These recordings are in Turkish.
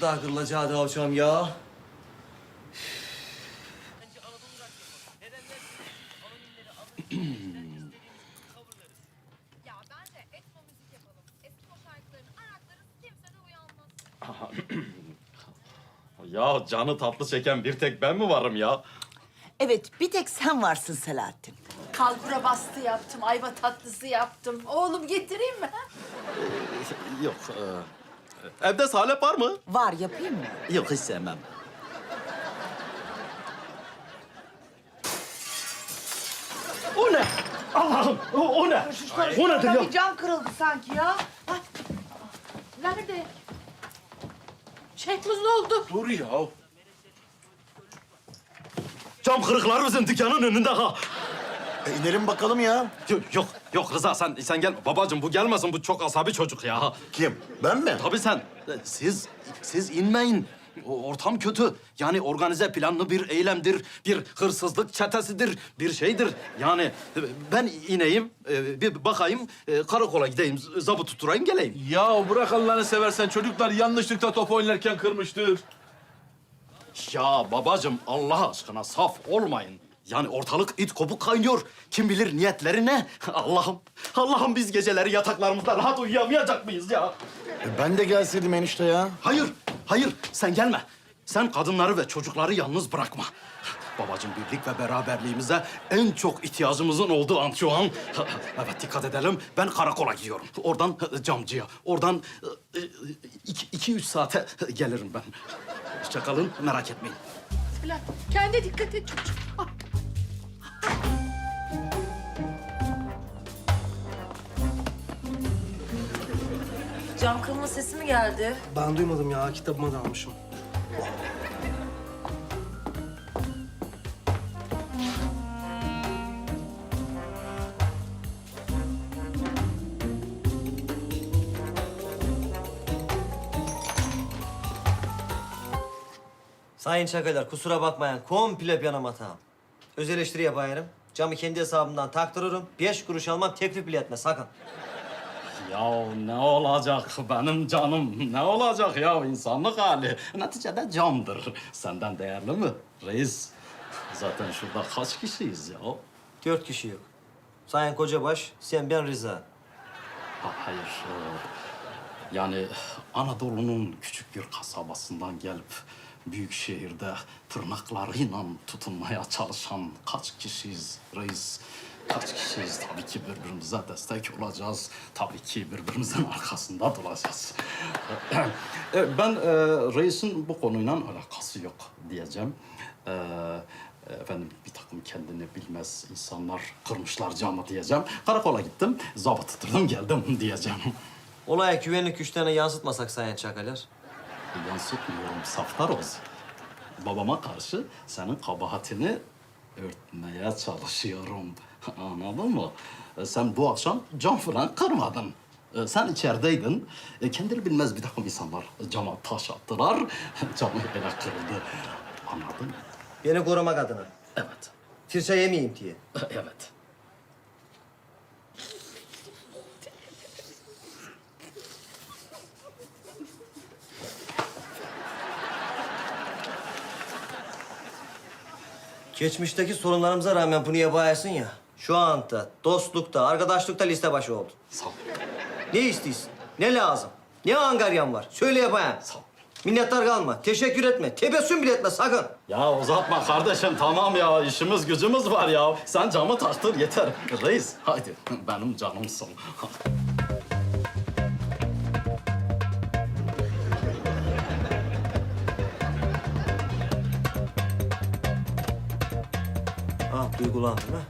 nasıl daha kırılacağı hocam ya? Ya bence etno müzik yapalım. Eskimo şarkılarını araklarız, kimse de uyanmaz. Ya canı tatlı çeken bir tek ben mi varım ya? Evet, bir tek sen varsın Selahattin. Kalbura bastı yaptım, ayva tatlısı yaptım. Oğlum getireyim mi? Yok. Evde salep var mı? Var, yapayım mı? Yok hiç sevmem. O ne? Allah'ım o ne? O nedir ya? Bir cam kırıldı sanki ya. Ay, Nerede? Şehmuz ne oldu? Dur ya. Cam kırıkları bizim dükkanın önünde ha. İnelim bakalım ya. Yok Rıza sen gel. Babacığım bu gelmesin, bu çok asabi çocuk ya. Kim? Ben mi? Tabii sen. Siz inmeyin. O ortam kötü. Yani organize planlı bir eylemdir, bir hırsızlık çetesidir, bir şeydir. Yani ben ineyim, bir bakayım, karakola gideyim, zabı tutturayım, geleyim. Ya bırak Allah'ını seversen, çocuklar yanlışlıkla top oynarken kırmıştır. Ya babacığım Allah aşkına saf olmayın. Yani ortalık it kopuk kaynıyor. Kim bilir niyetleri ne? Allah'ım biz geceleri yataklarımızda rahat uyuyamayacak mıyız ya? Ben de gelseydim enişte ya. Hayır sen gelme. Sen kadınları ve çocukları yalnız bırakma. Babacığım birlik ve beraberliğimize en çok ihtiyacımızın olduğu an şu an. Evet dikkat edelim. Ben karakola gidiyorum. Oradan camcıya. Oradan 2-3 saate gelirim ben. Hoşça kalın, merak etmeyin. Selahattin, kendine dikkat et çocuğum. Ah. Cam kırılma sesi mi geldi? Ben duymadım ya, kitabıma dalmışım. Sayın Çakalar, kusura bakmayın. Komple yanım hatam. Öz eleştiri yapayım. Camı kendi hesabımdan taktırırım. 5 kuruş almam, teklif bile etme sakın. Ya ne olacak benim canım? Ne olacak ya insanlık hali? Neticede camdır. Senden değerli mi reis? Zaten şurada kaç kişiyiz ya? 4 kişi yok. Sayın Kocabaş, sen, ben, Rıza. Hayır. Yani Anadolu'nun küçük bir kasabasından gelip büyük şehirde tırnaklarıyla tutunmaya çalışan kaç kişiyiz reis? Kaç kişiyiz? Tabii ki birbirimize destek olacağız. Tabii ki birbirimizin arkasında duracağız. Ben reisin bu konuyla alakası yok diyeceğim. Efendim bir takım kendini bilmez insanlar kırmışlar camı diyeceğim. Karakola gittim, zabıt tutturdum geldim diyeceğim. Olaya güvenlik güçlerine yansıtmasak Sayın Çakalar. Yansıtmıyorum, saftar olsun. Babama karşı senin kabahatini örtmeye çalışıyorum. Anladın mı? Sen bu akşam cam falan kırmadın. Sen içerideydin. Kendini bilmez bir takım insanlar cama taş attılar. Camı ele kırıldı. Anladın mı? Beni korumak adına. Evet. Tirça yemeyeyim diye. Evet. Geçmişteki sorunlarımıza rağmen bunu yapayasın ya. Şu anda dostlukta, arkadaşlıkta liste başı oldu. Sağ ol. Ne istiyorsun? Ne lazım? Ne angaryan var? Söyle yapayım. Sağ ol. Minnettar kalma, teşekkür etme, tebessüm bile etme sakın. Ya uzatma kardeşim, tamam ya. İşimiz gücümüz var ya. Sen camı taktır yeter. Reis, haydi. Benim canımsın. Ah, duygulandım ha.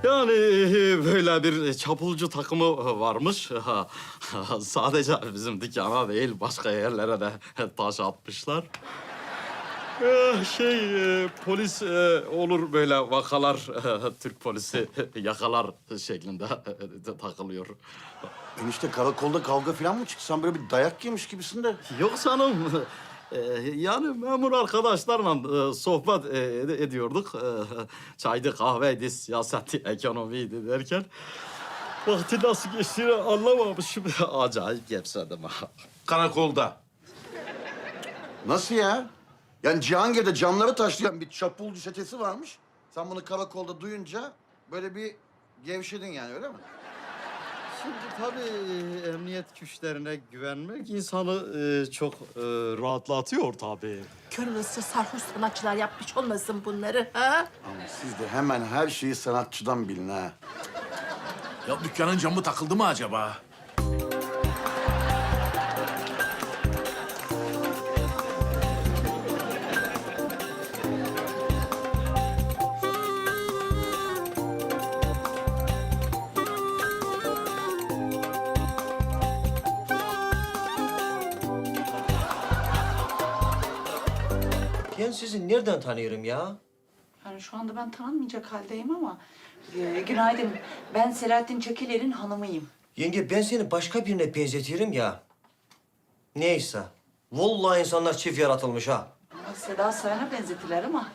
Yani böyle bir çapulcu takımı varmış. Sadece bizim dükkana değil, başka yerlere de taş atmışlar. Polis olur böyle vakalar, Türk polisi yakalar şeklinde takılıyor. Enişte karakolda kavga falan mı çıktı? Sen böyle bir dayak yemiş gibisin de. Yok canım. Yani memur arkadaşlarla sohbet ediyorduk. Çaydı, kahveydi, siyaseti, ekonomiydi derken... Vakti nasıl geçtiğini anlamamışım. Acayip gevşedim ha. Karakolda. Nasıl ya? Yani Cihangir'de camları taşlayan bir çapulcu çetesi varmış. Sen bunu karakolda duyunca böyle bir gevşedin yani, öyle mi? Şimdi tabii emniyet güçlerine güvenmek insanı çok rahatlatıyor tabii. Kör olası sarhoş sanatçılar yapmış olmasın bunları ha? Ama siz de hemen her şeyi sanatçıdan bilin ha. Ya dükkanın camı takıldı mı acaba? Ben sizi nereden tanıyorum ya? Yani şu anda ben tanınmayacak haldeyim ama... günaydın. Ben Selahattin Çekiler'in hanımıyım. Yenge ben seni başka birine benzetiyorum ya. Neyse. Vallahi insanlar çift yaratılmış ha. Ama Seda Sayan'a benzetiler ama...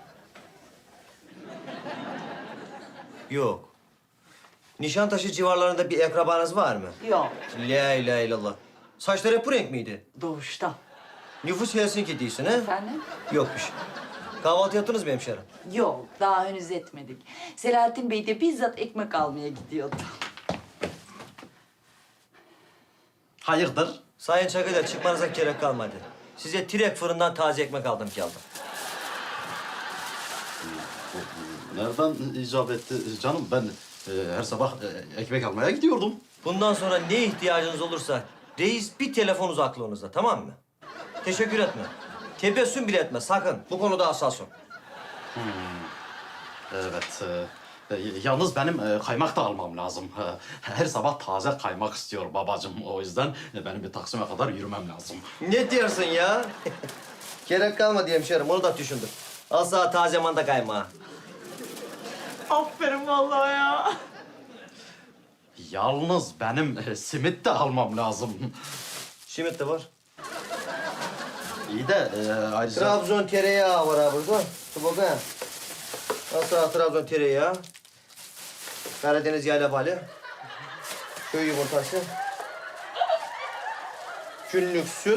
Yok. Nişantaşı civarlarında bir akrabanız var mı? Yok, La ilahe illallah. Saçları hep bu renk miydi? doğuştan. Nüfus Helsinki değilsin ha? Efendim? Yokmuş. Kahvaltı yaptınız mı hemşerim? Yok, daha henüz etmedik. Selahattin Bey de bizzat ekmek almaya gidiyordu. Hayırdır? Sayın Çakı'da çıkmanıza gerek kalmadı. Size direkt fırından taze ekmek aldım geldim. Nereden icap etti canım? Ben her sabah ekmek almaya gidiyordum. Bundan sonra ne ihtiyacınız olursa reis bir telefon uzaklığınızda, tamam mı? Teşekkür etme. Tebessüm bile etme sakın. Bu konuda hassasım. Evet. Yalnız benim kaymak da almam lazım. Her sabah taze kaymak istiyor babacığım. O yüzden benim bir Taksim'e kadar yürümem lazım. Ne diyorsun ya? Gerek kalmadı hemşerim, onu da düşündüm. Al sana taze manda kaymağı. Aferin vallahi ya. Yalnız benim simit de almam lazım. Simit de var. İyi de ayrıca... Trabzon tereyağı var ha burada. Dur bakayım. Al sana Trabzon tereyağı. Karadeniz yayla bali. Köy yumurtası. Günlük süt.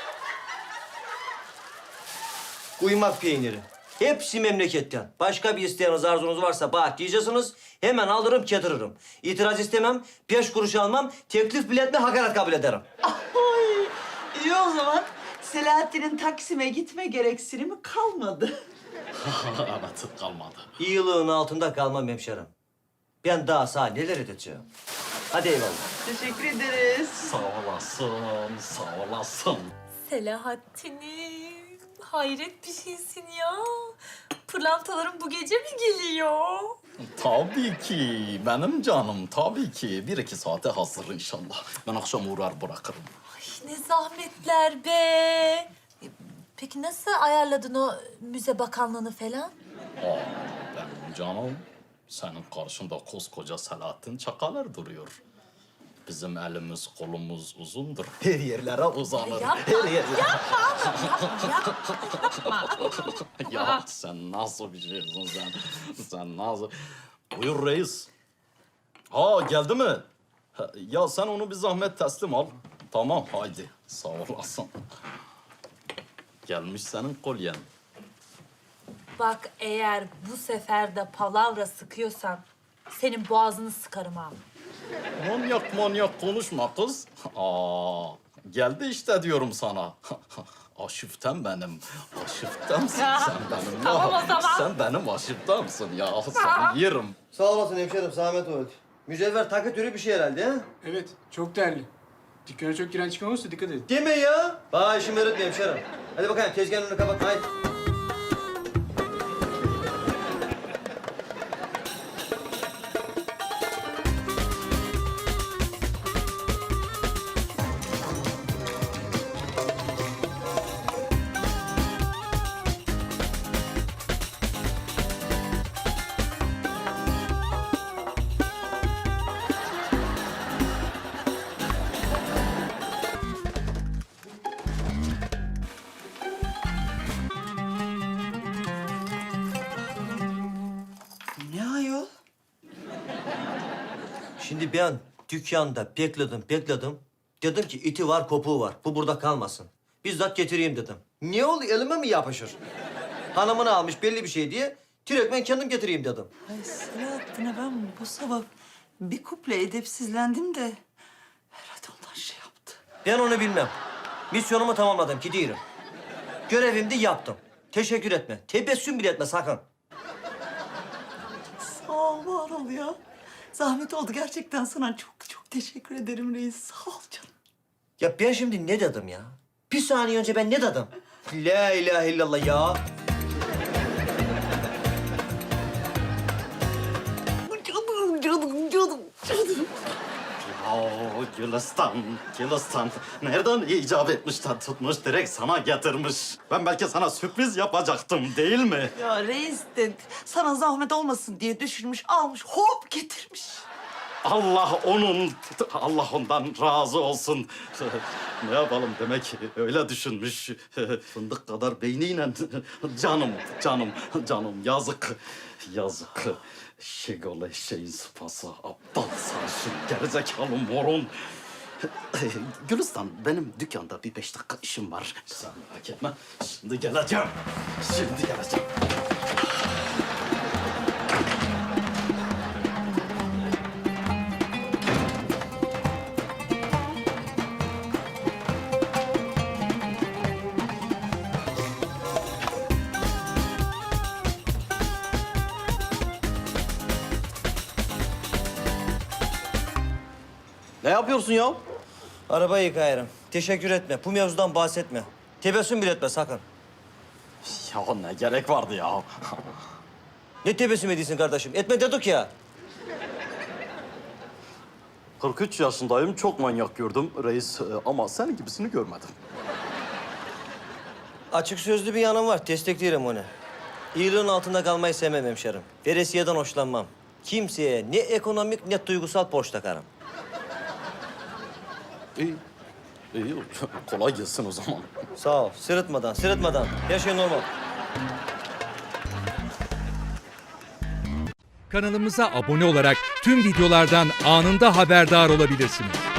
Kuymak peyniri. Hepsi memleketten. Başka bir isteğiniz, arzunuz varsa bak diyeceksiniz. Hemen alırım, getiririm. İtiraz istemem, 5 kuruş almam, teklif bile etme, hakaret kabul ederim. Ay, iyi o zaman. Selahattin'in Taksim'e gitme gereksinimi kalmadı. Evet, kalmadı. İyiliğin altında kalmam hemşerim. Ben daha sana neler edeceğim. Hadi eyvallah. Teşekkür ederiz. Sağ olasın, sağ olasın. Selahattin'im. Hayret bir şeysin ya. Pırlantaların bu gece mi geliyor? Tabii ki, benim canım, tabii ki. 1-2 saate hazır inşallah. Ben akşam uğrar bırakırım. Ay ne zahmetler be. Peki nasıl ayarladın o müze bakanlığını falan? Benim canım, senin karşında koskoca Selahattin Çakalar duruyor. Bizim elimiz, kolumuz uzundur. Her yerlere uzanır. Yapma, Her yer... yapma. Ya sen nasıl bir şeysin sen? Sen nasıl... Buyur reis. Ha geldi mi? Ya sen onu bir zahmet teslim al. Tamam haydi. Sağ olasın. Gelmiş senin kolyen. Bak eğer bu sefer de palavra sıkıyorsan senin boğazını sıkarım ha. Manyak konuşma kız. Geldi işte diyorum sana. Aşıftem benim. Aşıftemsin sen benim. Tamam o zaman. Sen benim aşıftemsin ya. Seni yerim. Sağ olasın hemşerim, zahmet oldu. Mücevher takı türü bir şey herhalde ha? Evet, çok değerli. Dükkana çok giren çıkan olursa dikkat edin. Deme ya. Bana işimi öğretme hemşerim. Hadi bakayım tezgahın önünü kapat, haydi. Şimdi ben dükkanda bekledim. Dedim ki iti var, kopuğu var. Bu burada kalmasın. Bizzat getireyim dedim. Ne oldu? Elime mi yapışır? Hanımını almış belli bir şey diye. Direkt ben kendim getireyim dedim. Ay Selahattin'e ben bu sabah bir kuple edepsizlendim de herhalde ondan şey yaptı. Ben onu bilmem. Misyonumu tamamladım, gidiyorum. Görevimi de yaptım. Teşekkür etme. Tebessüm bile etme sakın. Sağ ol, var ol ya. Zahmet oldu gerçekten sana çok teşekkür ederim reis. Sağ ol canım. Ya ben şimdi ne dedim ya? Bir saniye önce ben ne dedim? La ilahe illallah ya. Canım. Gülistan. Nereden icap etmiş de tutmuş, direkt sana getirmiş. Ben belki sana sürpriz yapacaktım, değil mi? Ya reis de sana zahmet olmasın diye düşünmüş, almış, hop getirmiş. Allah ondan razı olsun. Ne yapalım, demek ki öyle düşünmüş. Fındık kadar beyniyle. Canım, yazık. Şegole şeyin sıpası, aptal sarışın, gerizekalı morun. Gülistan, benim dükkanda bir 5 dakika işim var. Sen merak etme, şimdi geleceğim. Ne yapıyorsun ya? Arabayı yıkayarım. Teşekkür etme. Bu mevzudan bahsetme. Tebessüm bile etme sakın. Ya ne gerek vardı ya? Ne tebessüm ediyorsun kardeşim? Etme dedik ya. 43 yaşındayım, çok manyak gördüm reis ama senin gibisini görmedim. Açık sözlü bir yanım var. Desteklerim onu. İyiliğin altında kalmayı sevmem hemşerim. Veresiyeden hoşlanmam. Kimseye ne ekonomik ne duygusal borç takarım. İyi, kolay gelsin o zaman. Sağ ol. Sırıtmadan. Her şey normal. Kanalımıza abone olarak tüm videolardan anında haberdar olabilirsiniz.